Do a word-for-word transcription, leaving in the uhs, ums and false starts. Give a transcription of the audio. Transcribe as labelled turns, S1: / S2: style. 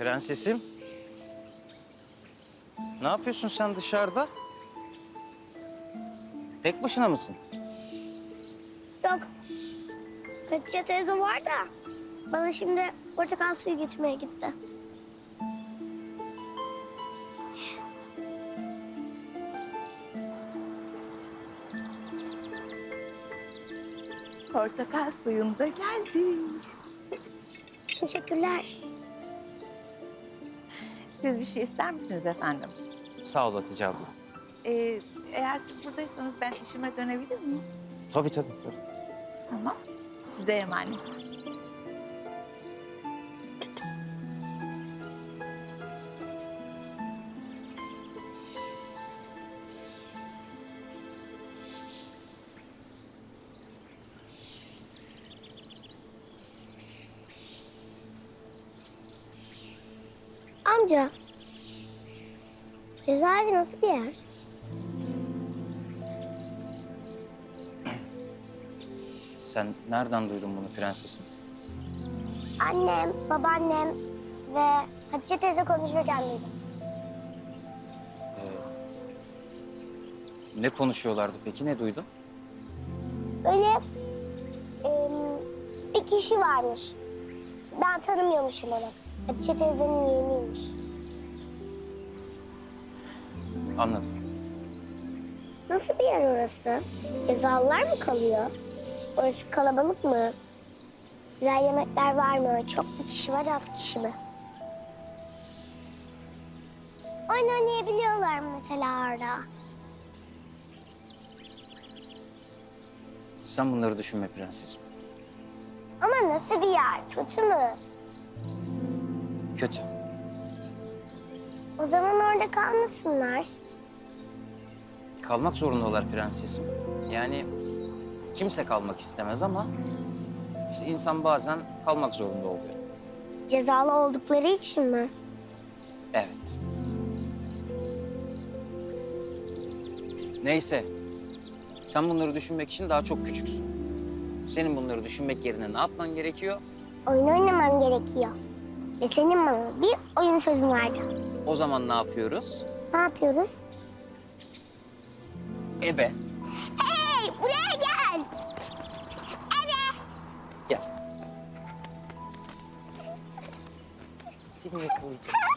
S1: Prensesim. Ne yapıyorsun sen dışarıda? Tek başına mısın?
S2: Yok. Hatice teyze var da bana şimdi portakal suyu getirmeye gitti.
S3: Portakal suyun da geldi.
S2: Teşekkürler.
S3: Siz bir şey ister misiniz efendim?
S1: Sağ ol Hatice abla.
S3: Ee, eğer siz buradaysanız ben işime dönebilir miyim?
S1: Tabii tabii. tabii.
S3: Tamam. Size emanet.
S2: Amca, cezaevi nasıl bir yer?
S1: Sen nereden duydun bunu prensesim?
S2: Annem, babaannem ve Hatice teyze konuşurken duydum.
S1: Ee, ne konuşuyorlardı peki? Ne duydun?
S2: Böyle em, bir kişi varmış. Ben tanımıyormuşum onu. Hatice teyzenin yeğeniymiş.
S1: Anladım.
S2: Nasıl bir yer orası? Cezalılar mı kalıyor? Orası kalabalık mı? Güzel yemekler var mı? Çok mu kişi var, az kişi mi? Oyun oynayabiliyorlar mı mesela orada?
S1: Sen bunları düşünme prensesim.
S2: Ama nasıl bir yer? Kötü mü?
S1: Kötü.
S2: O zaman orada kalmasınlar.
S1: Kalmak zorundalar prensesim. Yani kimse kalmak istemez ama işte insan bazen kalmak zorunda oluyor.
S2: Cezalı oldukları için mi?
S1: Evet. Neyse. Sen bunları düşünmek için daha çok küçüksün. Senin bunları düşünmek yerine ne yapman gerekiyor?
S2: Oyun oynamam gerekiyor. Ve senin bana bir oyun sözün vardı.
S1: O zaman ne yapıyoruz?
S2: Ne yapıyoruz?
S1: Ebe.
S2: Hey, buraya gel.
S1: Gel. Seni yakalayacağım.